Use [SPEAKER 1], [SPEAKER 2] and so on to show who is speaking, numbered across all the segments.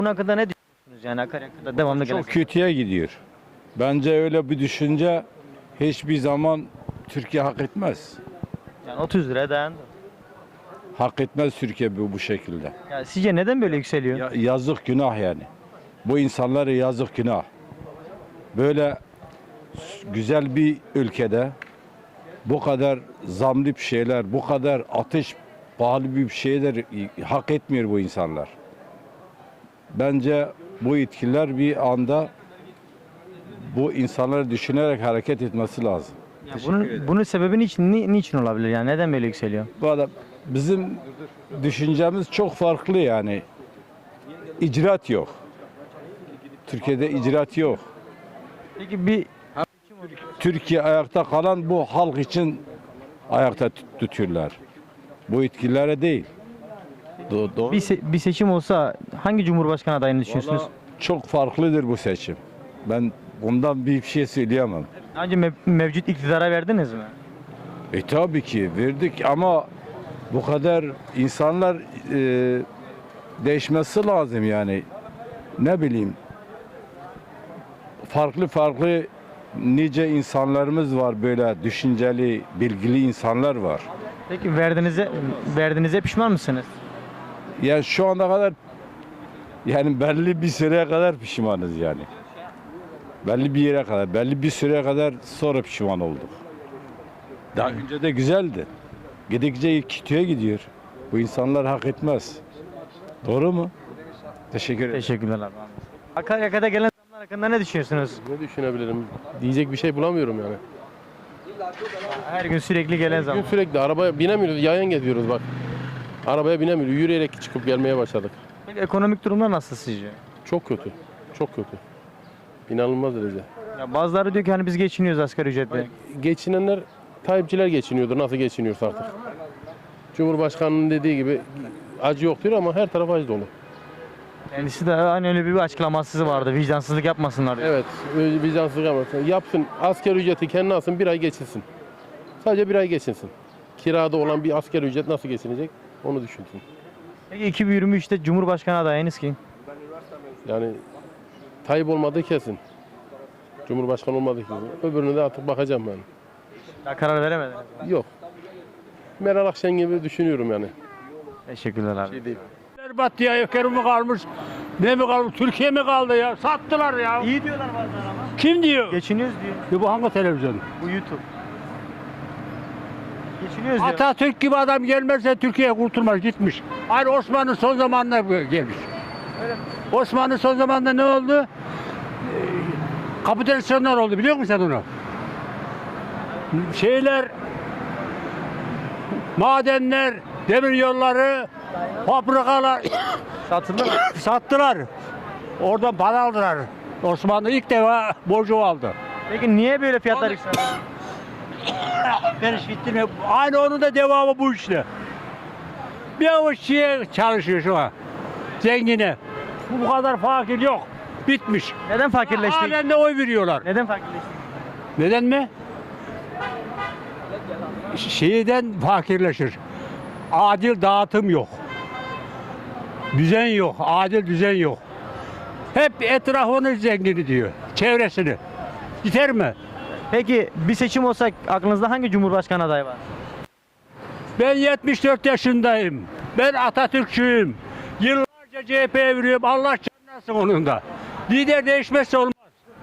[SPEAKER 1] Bunun hakkında ne düşünüyorsunuz yani akaryakıtta devamlı gelen?
[SPEAKER 2] Çok kötüye gidiyor. Bence öyle bir düşünce hiçbir zaman Türkiye hak etmez.
[SPEAKER 1] Yani 30 liraya dayandı.
[SPEAKER 2] Hak etmez Türkiye bu şekilde.
[SPEAKER 1] Ya sizce neden böyle yükseliyor?
[SPEAKER 2] Yazık günah yani. Bu insanlara yazık günah. Böyle güzel bir ülkede bu kadar zamlı bir şeyler, bu kadar ateş pahalı bir şeyler hak etmiyor bu insanlar. Bence bu yetkililer bir anda bu insanları düşünerek hareket etmesi lazım.
[SPEAKER 1] Ya bunun sebebi niçin olabilir yani neden böyle yükseliyor?
[SPEAKER 2] Bu adam bizim düşüncemiz çok farklı yani. İcraat yok. Türkiye'de icraat yok.
[SPEAKER 1] Peki
[SPEAKER 2] Türkiye ayakta kalan bu halk için ayakta tutuyorlar. Bu yetkililere değil. Doğru.
[SPEAKER 1] bir seçim olsa hangi cumhurbaşkanı adayını düşünüyorsunuz?
[SPEAKER 2] Vallahi çok farklıdır bu seçim. Ben bundan bir şey söyleyemem.
[SPEAKER 1] Önce mevcut iktidara verdiniz mi?
[SPEAKER 2] Tabii ki verdik ama bu kadar insanlar değişmesi lazım yani. Ne bileyim. Farklı nice insanlarımız var, böyle düşünceli, bilgili insanlar var.
[SPEAKER 1] Peki verdiğinize pişman mısınız?
[SPEAKER 2] Yani şu ana kadar yani belli bir süreye kadar pişmanız yani. Belli bir yere kadar, belli bir süreye kadar sonra pişman olduk. Daha önce de güzeldi. Gidikçe kötüye gidiyor. Bu insanlar hak etmez. Doğru mu? Teşekkür ederim.
[SPEAKER 1] Teşekkürler abi. Akaryakıta gelen zamlar hakkında ne düşünüyorsunuz?
[SPEAKER 3] Ne düşünebilirim? Diyecek bir şey bulamıyorum yani.
[SPEAKER 1] Her gün sürekli gelen zam.
[SPEAKER 3] Bugün sürekli arabaya binemiyoruz, yayan geziyoruz bak. Arabaya binemiyoruz, yürüyerek çıkıp gelmeye başladık.
[SPEAKER 1] Peki ekonomik durumlar nasıl sizce?
[SPEAKER 3] Çok kötü, çok kötü. İnanılmaz derece.
[SPEAKER 1] Ya bazıları diyor ki hani biz geçiniyoruz asgari ücretle.
[SPEAKER 3] Geçinenler, Tayyipçiler geçiniyordur, nasıl geçiniyorsa artık. Cumhurbaşkanının dediği gibi acı yok diyor ama her taraf acı dolu.
[SPEAKER 1] Kendisi de hani öyle bir açıklaması vardı. Vicdansızlık yapmasınlar diyor.
[SPEAKER 3] Evet, vicdansızlık yapmasın. Yapsın, asgari ücreti kendi alsın, bir ay geçinsin. Sadece bir ay geçinsin. Kirada olan bir asgari ücret nasıl geçinecek onu düşünsün.
[SPEAKER 1] Peki 2023'te Cumhurbaşkanı adayınız kim?
[SPEAKER 3] Yani Tayyip olmadığı kesin. Cumhurbaşkanı olmadığı kesin. Öbürüne de artık bakacağım ben.
[SPEAKER 1] Daha karar veremediniz.
[SPEAKER 3] Yok. Meral Akşener gibi düşünüyorum yani.
[SPEAKER 1] Teşekkürler abi.
[SPEAKER 3] Şey değil.
[SPEAKER 4] Berbat ya, Ekrem mi kalmış? Ne mi kalmış? Türkiye mi kaldı ya? Sattılar ya.
[SPEAKER 1] İyi diyorlar bazen ama.
[SPEAKER 4] Kim diyor?
[SPEAKER 1] Geçiniyoruz diyor.
[SPEAKER 4] Ya bu hangi televizyon?
[SPEAKER 1] Bu YouTube. Geçiniyoruz diyor.
[SPEAKER 4] Atatürk gibi adam gelmezse Türkiye kurtulmaz, gitmiş. Aynı Osmanlı son zamanında gelmiş. Osmanlı son zamanında ne oldu? Kapitülasyonlar oldu, biliyor musun sen onu? Madenler, demir yolları, fabrikalar
[SPEAKER 1] Satıldı mı?
[SPEAKER 4] sattılar. Oradan para aldılar. Osmanlı ilk defa borcu aldı.
[SPEAKER 1] Peki niye böyle fiyatlar yükseldi?
[SPEAKER 4] Ben işittim. Aynı onun da devamı bu işte. Bir avuç şeye çalışıyor şu an. Zengine. Bu kadar fakir yok. Bitmiş.
[SPEAKER 1] Neden fakirleştik?
[SPEAKER 4] Halen de oy veriyorlar.
[SPEAKER 1] Neden fakirleştik?
[SPEAKER 4] Neden mi? Şeyden fakirleşir. Adil dağıtım yok. Düzen yok. Adil düzen yok. Hep etrafını zengini diyor. Çevresini. Yeter mi?
[SPEAKER 1] Peki bir seçim olsa aklınızda hangi Cumhurbaşkanı adayı var?
[SPEAKER 4] Ben 74 yaşındayım. Ben Atatürkçüyüm. Yıllarca CHP'ye veriyorum. Allah canlasın onun da. Lider değişmezse olmaz.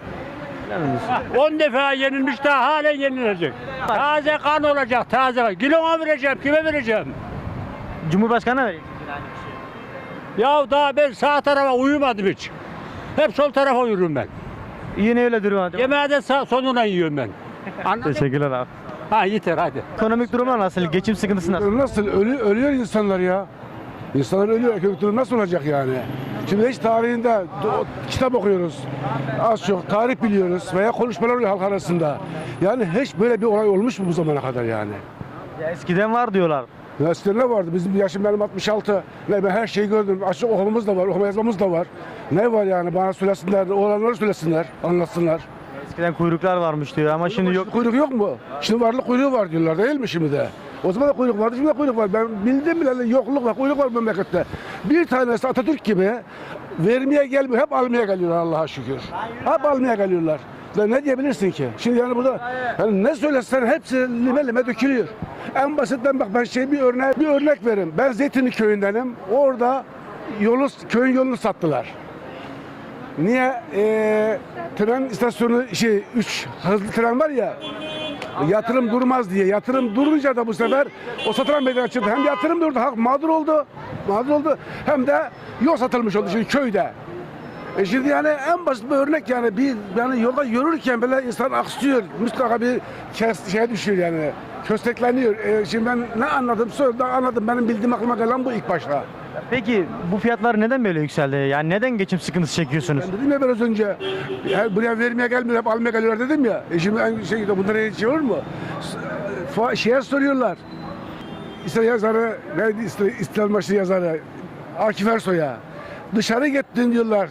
[SPEAKER 4] 10 defa yenilmiş, daha halen yenilecek. Taze kan olacak, taze kan. Kiloma vereceğim, kime vereceğim?
[SPEAKER 1] Cumhurbaşkanı vereyim.
[SPEAKER 4] Ya daha ben sağ tarafa uyumadım hiç. Hep sol tarafa uyurum ben.
[SPEAKER 1] Yine öyle durum.
[SPEAKER 4] Yemeği de sonuna yiyorum ben. Anladın mı?
[SPEAKER 1] Teşekkürler abi.
[SPEAKER 4] Ha yeter hadi.
[SPEAKER 1] Ekonomik durumlar nasıl? Geçim sıkıntısı nasıl?
[SPEAKER 5] Nasıl? Ölüyor insanlar ya. İnsanlar ölüyor. Ekonomik durum nasıl olacak yani? Şimdi hiç tarihinde kitap okuyoruz. Az çok tarih biliyoruz veya konuşmalar oluyor halk arasında. Yani hiç böyle bir olay olmuş mu bu zamana kadar yani?
[SPEAKER 1] Ya eskiden var diyorlar.
[SPEAKER 5] Eskiden ne vardı? Bizim yaşım benim 66. Ben her şeyi gördüm. Açık okumamız da var, okuma yazmamız da var. Ne var yani? Bana söylesinler, olanları söylesinler, anlatsınlar.
[SPEAKER 1] Eskiden kuyruklar varmış diyor ama şimdi yok.
[SPEAKER 5] Kuyruk yok mu? Şimdi varlık kuyruğu var diyorlar değil mi şimdi de? O zaman da kuyruk vardı, şimdi de kuyruk var. Ben bildim bile yokluk var, kuyruk var bu memlekette. Bir tanesi Atatürk gibi vermeye gelmiyor, hep almaya geliyorlar Allah'a şükür. Hep almaya geliyorlar. Ya ne diyebilirsin ki? Şimdi yani burada yani ne söylesen hepsi lime lime dökülüyor. En basitten bak ben bir örnek vereyim. Ben Zeytinli köyündenim. Orada köyün yolunu sattılar. Niye? Tren istasyonu 3 hızlı tren var ya. Yatırım durmaz diye. Yatırım durunca da bu sefer o satılan meydana çıktı. Hem yatırım durdu, halk mağdur oldu. Hem de yol satılmış oldu şimdi köyde. Şimdi yani en basit bir örnek yani yani yolda yürürken böyle insan aksıyor. Mutlaka bir şeye düşüyor yani. Köstekleniyor. Şimdi ben ne anladım? Anladım. Benim bildiğim aklıma gelen bu ilk başta.
[SPEAKER 1] Peki bu fiyatlar neden böyle yükseldi? Yani neden geçim sıkıntısı çekiyorsunuz?
[SPEAKER 5] Ben dedim ya biraz önce. Buraya vermeye gelmiyor, hep almaya geliyorlar dedim ya. Şimdi bunlara hiç olur mu? Şeye soruyorlar. İşte yazarı, neydi İstiklal Marşı yazarı? Akif Ersoy'a. Dışarı gittin diyorlar.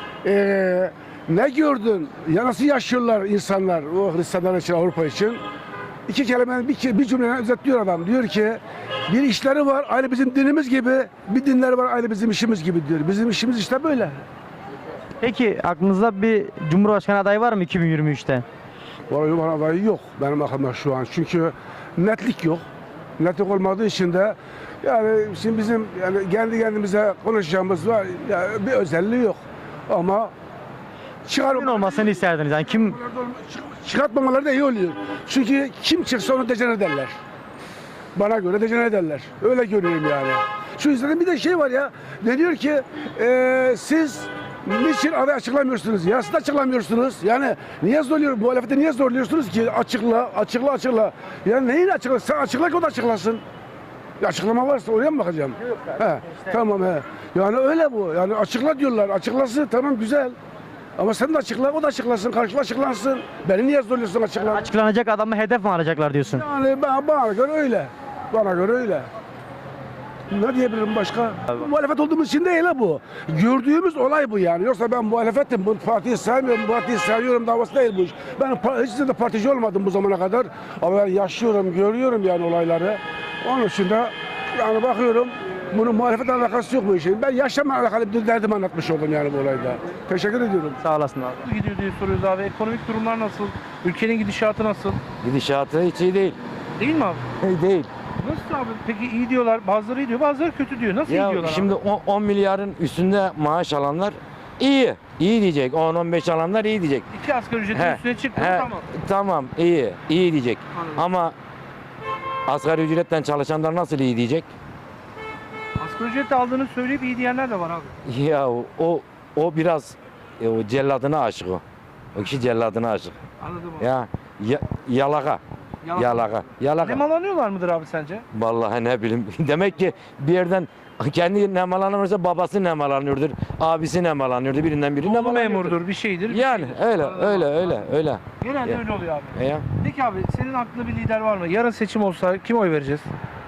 [SPEAKER 5] Ne gördün? Ya nasıl yaşıyorlar insanlar, o Hristiyanlar için, Avrupa için? İki kelime, bir cümleyle özetliyor adam. Diyor ki, bir işleri var, aynı bizim dinimiz gibi, bir dinleri var, aynı bizim işimiz gibi diyor. Bizim işimiz işte böyle.
[SPEAKER 1] Peki aklınızda bir Cumhurbaşkanı adayı var mı 2023'te?
[SPEAKER 5] Vallahi bana adayı yok benim aklımda şu an. Çünkü netlik yok. Netlik olmadığı için de yani şimdi bizim yani kendi kendimize konuşacağımız var. Yani bir özelliği yok. Ama
[SPEAKER 1] Kimin olmasını isterdiniz? Yani kim
[SPEAKER 5] çıkartmamaları da iyi oluyor. Çünkü kim çıksa onu decene ederler. Bana göre decene ederler. Öyle görüyorum yani. Şu yüzden bir de şey var ya. Ne diyor ki siz niçin aday açıklamıyorsunuz? Ya siz açıklamıyorsunuz. Yani niye zorluyor? Muhalefeti niye zorluyorsunuz ki? Açıkla. Yani neyin açıkla? Sen açıkla ki o da açıklasın. Ya açıklama varsa oraya mı bakacağım?
[SPEAKER 1] Yok,
[SPEAKER 5] Tamam he. Yani öyle bu. Yani açıkla diyorlar. Açıklasın tamam güzel. Ama sen de açıkla, o da açıklasın, karşıla açıklansın. Beni niye zorluyorsun açıkla?
[SPEAKER 1] açıklanacak adamı hedef mi alacaklar diyorsun?
[SPEAKER 5] Yani bana göre öyle. Bana göre öyle. Ne diyebilirim başka? Muhalefet olduğumuz için değil ha bu. Gördüğümüz olay bu yani. Yoksa ben muhalefetim, bu partiyi sevmiyorum, bu partiyi seviyorum davası değil bu iş. Ben hiç de partici olmadım bu zamana kadar. Ama ben yaşıyorum, görüyorum yani olayları. Onun için de yani bakıyorum, bunun muhalefetle alakası yok bu işin. Ben yaşamla alakalı bir derdimi anlatmış oldum yani bu olayda. Teşekkür ediyorum.
[SPEAKER 1] Sağ olasın abi.
[SPEAKER 6] Nasıl gidiyor diye soruyoruz abi. Ekonomik durumlar nasıl? Ülkenin gidişatı nasıl?
[SPEAKER 7] Gidişatı hiç iyi değil.
[SPEAKER 6] Değil mi abi?
[SPEAKER 7] Değil.
[SPEAKER 6] Nasıl abi? Peki iyi diyorlar, bazıları iyi diyor, bazıları kötü diyor. Nasıl iyi
[SPEAKER 7] Ya
[SPEAKER 6] diyorlar
[SPEAKER 7] şimdi
[SPEAKER 6] abi?
[SPEAKER 7] 10 milyarın üstünde maaş alanlar iyi. İyi diyecek. 10-15 alanlar iyi diyecek.
[SPEAKER 6] 2 asgari ücretin
[SPEAKER 7] He,
[SPEAKER 6] üstüne çıktı
[SPEAKER 7] he,
[SPEAKER 6] tamam.
[SPEAKER 7] Tamam iyi. İyi diyecek.
[SPEAKER 6] Anladım.
[SPEAKER 7] Ama asgari ücretten çalışanlar nasıl iyi diyecek?
[SPEAKER 6] Asgari ücretle aldığını söyleyip iyi diyenler de var abi.
[SPEAKER 7] Ya o biraz o celladına aşık o. O kişi celladına aşık.
[SPEAKER 6] Anladım abi.
[SPEAKER 7] Yalaka.
[SPEAKER 6] Yalan.
[SPEAKER 7] Yalaka.
[SPEAKER 6] Nemalanıyorlar mıdır abi sence?
[SPEAKER 7] Vallahi ne bileyim. Demek ki bir yerden kendi nemalanırsa babası nemalanıyordur, abisi nemalanıyordur, birinden biri
[SPEAKER 6] Oğlu
[SPEAKER 7] nemalanıyordur.
[SPEAKER 6] memurdur, bir şeydir. bir
[SPEAKER 7] Yani
[SPEAKER 6] şeydir.
[SPEAKER 7] öyle
[SPEAKER 6] Anladım abi.
[SPEAKER 7] öyle.
[SPEAKER 6] Genelde
[SPEAKER 7] Ya.
[SPEAKER 6] öyle oluyor abi.
[SPEAKER 7] Ya.
[SPEAKER 6] Peki abi senin aklında bir lider var mı? Yarın seçim olsa kime oy vereceğiz?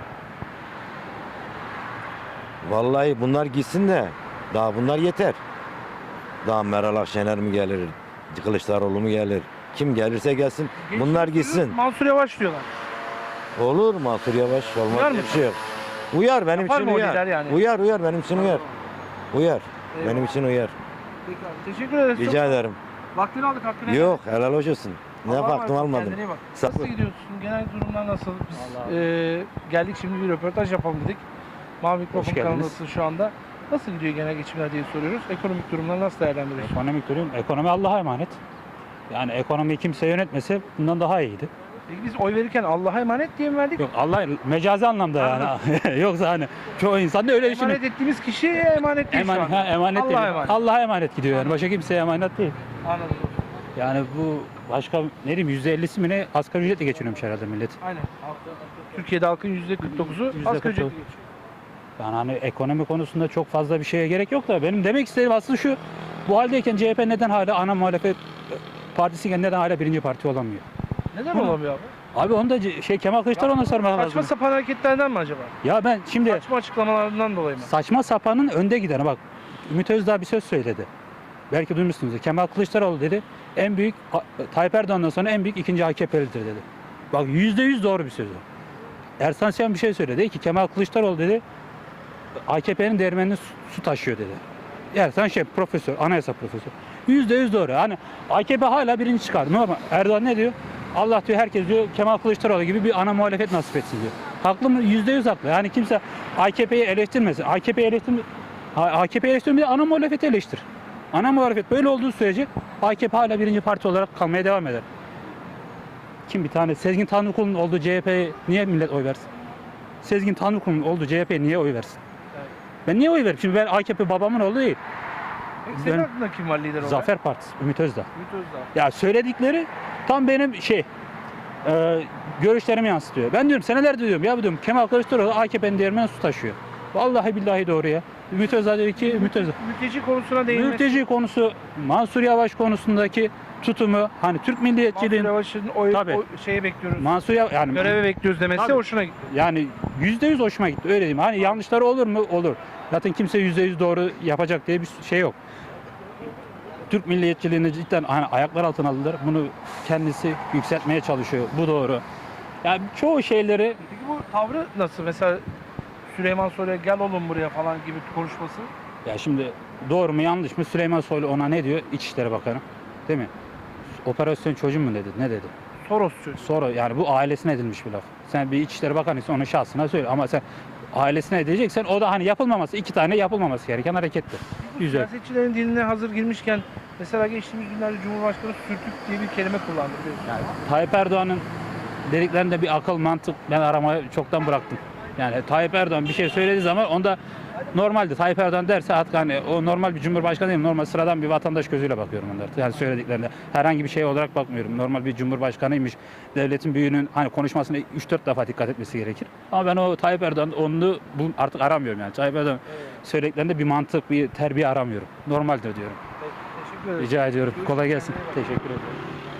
[SPEAKER 7] Vallahi bunlar gitsin de daha bunlar yeter. Daha Meral Akşener mi gelir, Kılıçdaroğlu mu gelir? Kim gelirse gelsin. Bunlar gitsin.
[SPEAKER 6] Mansur Yavaş diyorlar.
[SPEAKER 7] Olur Mansur Yavaş olmaz
[SPEAKER 6] Uyar
[SPEAKER 7] diye
[SPEAKER 6] mı?
[SPEAKER 7] bir şey yok. Uyar benim
[SPEAKER 6] Yapar
[SPEAKER 7] için
[SPEAKER 6] mı o
[SPEAKER 7] uyar.
[SPEAKER 6] lider yani?
[SPEAKER 7] Uyar benim için uyar. Uyar.
[SPEAKER 6] Eyvallah.
[SPEAKER 7] Benim için uyar.
[SPEAKER 6] Peki abi teşekkür ederiz.
[SPEAKER 7] Rica ederim.
[SPEAKER 6] Vaktini aldık hakkını.
[SPEAKER 7] Yok helal hoş olsun. Ne
[SPEAKER 6] Allah'a
[SPEAKER 7] baktım
[SPEAKER 6] emanet ol,
[SPEAKER 7] almadım.
[SPEAKER 6] kendine iyi bak.
[SPEAKER 7] Sağ ol.
[SPEAKER 6] Nasıl gidiyorsun? Genel durumlar nasıl? Biz geldik şimdi bir röportaj yapalım dedik. Mavi Mikrofon
[SPEAKER 8] geldiniz.
[SPEAKER 6] kanalındasın şu anda. Nasıl gidiyor genel geçimler diye soruyoruz. Ekonomik durumları nasıl değerlendiriyorsun?
[SPEAKER 8] Ekonomi Allah'a emanet. Yani ekonomiyi kimse yönetmese bundan daha iyiydi.
[SPEAKER 6] Peki biz oy verirken Allah'a emanet diye mi verdik?
[SPEAKER 8] Yok Allah mecazi anlamda yani. Yoksa hani çoğu insan da öyle düşünüyor.
[SPEAKER 6] Emanet ettiğimiz kişiye emanet değil şu
[SPEAKER 8] Emanet,
[SPEAKER 6] anda.
[SPEAKER 8] emanet
[SPEAKER 6] Allah'a
[SPEAKER 8] değil.
[SPEAKER 6] emanet.
[SPEAKER 8] Allah'a emanet gidiyor yani. Başka kimseye emanet değil.
[SPEAKER 6] Anladım.
[SPEAKER 8] Yani bu başka ne diyeyim %50'si mi ne asgari ücretle geçiniyormuş herhalde millet.
[SPEAKER 6] Aynen. Türkiye'de halkın %49'u asgari ücretli geçiyor.
[SPEAKER 8] Yani hani ekonomi konusunda çok fazla bir şeye gerek yok da benim demek istediğim aslında şu. Bu haldeyken CHP neden hala ana muhalefet partisiyken neden hala birinci parti olamıyor?
[SPEAKER 6] Neden olamıyor abi?
[SPEAKER 8] Abi onu da Kemal Kılıçdaroğlu'na sormak lazım.
[SPEAKER 6] Saçma sapan hareketlerden mi acaba?
[SPEAKER 8] Ya ben şimdi
[SPEAKER 6] Saçma açıklamalarından dolayı mı?
[SPEAKER 8] saçma sapanın önde gideni bak. Ümit Özdağ bir söz söyledi. Belki duymuşsunuz. Kemal Kılıçdaroğlu dedi. En büyük Tayyip Erdoğan'dan sonra en büyük ikinci AKP'lidir dedi. Bak %100 doğru bir söz o. Ersan Şen bir şey söyledi. Dedi ki Kemal Kılıçdaroğlu dedi AKP'nin değirmenini su taşıyor dedi. Ersan Şen profesör, anayasa profesörü. %100 doğru. Hani AKP hala birinci çıkardı. Normal. Erdoğan ne diyor? Allah diyor herkes diyor Kemal Kılıçdaroğlu gibi bir ana muhalefet nasip etsin diyor. Haklı mı? %100 haklı. Yani kimse AKP'yi eleştirmesin. AKP'yi eleştirmeye ana muhalefeti eleştir. Ana muhalefet böyle olduğu sürece AKP hala birinci parti olarak kalmaya devam eder. Kim bir tane Sezgin Tanrıkulu'nun olduğu CHP'ye niye millet oy versin? Sezgin Tanrıkulu'nun olduğu CHP'ye niye oy versin? Ben niye oy veririm? Şimdi ben AKP babamın oğlu değil.
[SPEAKER 6] Peki senin
[SPEAKER 8] Ben-
[SPEAKER 6] aklında kim var lider olarak?
[SPEAKER 8] Zafer Partisi, Ümit Özdağ.
[SPEAKER 6] Ümit Özdağ.
[SPEAKER 8] Ya söyledikleri tam benim görüşlerimi yansıtıyor. Ben diyorum senelerdir diyorum ya diyorum Kemal Kılıçdaroğlu AKP'nin değirmeni su taşıyor. Vallahi billahi doğru ya. Ümit Özdağ diyor ki Ümit Özdağ.
[SPEAKER 6] Mülteci konusuna değinmesi.
[SPEAKER 8] Mülteci konusu, Mansur Yavaş konusundaki tutumu, hani Türk
[SPEAKER 6] Mansur
[SPEAKER 8] milliyetçiliğin
[SPEAKER 6] Yavaş'ın
[SPEAKER 8] Tabii.
[SPEAKER 6] şeye bekliyoruz.
[SPEAKER 8] Mansur Yavaş yani
[SPEAKER 6] Göreve bekliyoruz demesi
[SPEAKER 8] Tabii.
[SPEAKER 6] hoşuna gitti.
[SPEAKER 8] yani %100 hoşuma gitti öyle diyeyim. Hani yanlışları olur mu? Olur. Zaten kimse %100 doğru yapacak diye bir şey yok. Türk milliyetçiliğini cidden hani ayaklar altına aldılar. Bunu kendisi yükseltmeye çalışıyor. Bu doğru. Yani çoğu şeyleri
[SPEAKER 6] Peki bu tavrı nasıl? Mesela Süleyman Soylu'ya gel oğlum buraya falan gibi konuşması.
[SPEAKER 8] ya şimdi doğru mu yanlış mı Süleyman Soylu ona ne diyor? İçişleri Bakanı. Değil mi? Operasyon çocuğum mu dedi? Ne dedi?
[SPEAKER 6] Soros çocuğu.
[SPEAKER 8] Sonra yani bu ailesine edilmiş bir laf. Sen bir İçişleri Bakanıysan onun şahsına söyle ama sen ailesine edeceksen o da hani yapılmaması, iki tane yapılmaması gereken hareketti. Güzel.
[SPEAKER 6] Siyasetçilerin diline hazır girmişken mesela geçtiğimiz günlerde Cumhurbaşkanı sürtük diye bir kelime kullandı biliyorsun.
[SPEAKER 8] Tayyip Erdoğan'ın dediklerinde bir akıl, mantık ben aramayı çoktan bıraktım. Yani Tayyip Erdoğan bir şey söylediği zaman onda normalde Tayyip Erdoğan derse artık hani o normal bir cumhurbaşkanı değil, normal sıradan bir vatandaş gözüyle bakıyorum onlara. Yani söylediklerinde herhangi bir şey olarak bakmıyorum. Normal bir cumhurbaşkanıymış. Devletin büyüğünün hani konuşmasına 3-4 defa dikkat etmesi gerekir. Ama ben o Tayyip Erdoğan onu artık aramıyorum yani. Tayyip Erdoğan söylediklerinde bir mantık, bir terbiye aramıyorum. Normaldir diyorum.
[SPEAKER 6] Teşekkür ederim.
[SPEAKER 8] Rica ediyorum. Kolay gelsin. Teşekkür ederim.